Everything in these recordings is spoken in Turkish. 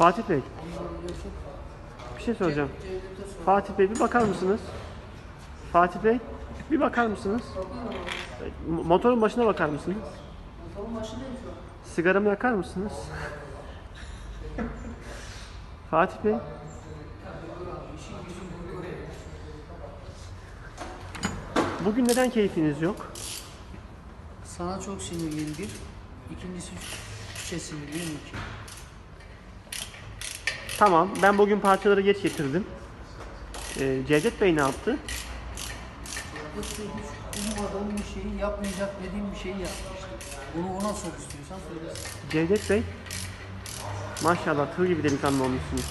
Fatih Bey, bir şey soracağım. Fatih Bey bir bakar mısınız? Fatih Bey bir bakar mısınız? Motorun başına bakar mısınız? Motorun başındayım şu an. Sigaramı yakar mısınız? Fatih Bey. Bugün neden keyfiniz yok? Sana çok sinirliyim bir. İkincisi şişe sinirliyim iki. Tamam, ben bugün parçaları geç getirdim. Cevdet Bey ne yaptı? Hiç ummadığım bir şeyi yapmayacak dediğim bir şeyi yapmıştı. Bunu ona sor istiyorsan söylesin. Cevdet Bey, maşallah tığ gibi delikanlı olmuşsunuz.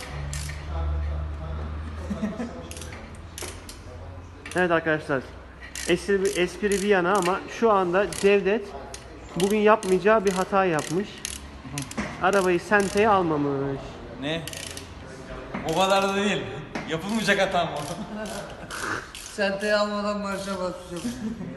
Evet arkadaşlar, espri bir yana ama şu anda Cevdet bugün yapmayacağı bir hata yapmış. Arabayı senteye almamış. Ne? O kadar da değil. Yapılmayacak hatam o. Senteye almadan marşa basacağım.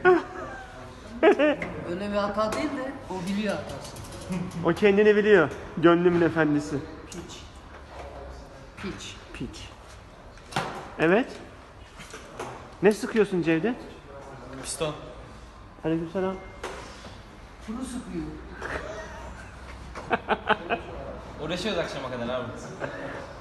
Öyle bir hata değil de o biliyor hatası. O kendini biliyor. Gönlümün efendisi. Piç. Piç. Piç. Evet. Ne sıkıyorsun Cevdet? Piston. Aleykümselam. Bunu sıkıyor. Uğraşıyoruz akşama kadar abi.